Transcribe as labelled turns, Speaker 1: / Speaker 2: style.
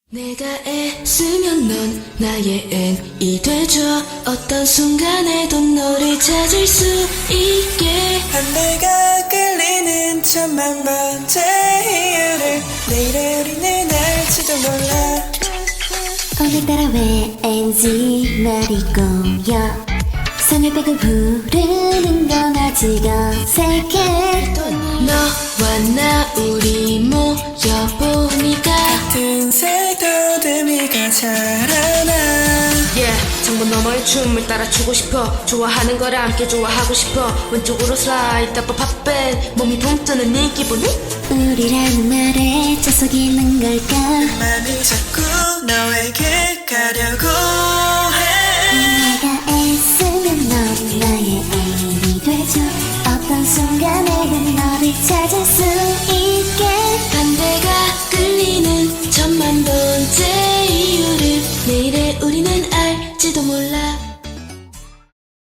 Speaker 1: 내가 애쓰면 넌 나의 N이 돼줘. 어떤 순간에도 너를 찾을 수 있게.
Speaker 2: 반대가 끌리는 천만 번째 이유를 내일의 우리는 알지도 몰라.
Speaker 3: 오늘따라 왠지 날이 꼬여. 성을 빼고 부르는 건 아직 어색해.
Speaker 1: 너와 나 우리 모여보니까
Speaker 2: 같은 색도 의미가 자라나.
Speaker 1: 전부 너머의 춤을 따라 추고 싶어. 좋아하는 걸 함께 좋아하고 싶어. 왼쪽으로 슬라이드 up 팝밴. 몸이 붕뜨는 네 기분이
Speaker 3: 우리라는 말에 저 속이는 걸까.
Speaker 2: 맘이 자꾸 너에게 가려고 해.
Speaker 3: 내가 애쓰면 넌 나의 애인이 돼줘. 어떤 순간에는 너를 찾을 수 있게.
Speaker 1: 반대가 끌리는 천만 번째 이유를 내일의 우리는 알지도 몰라.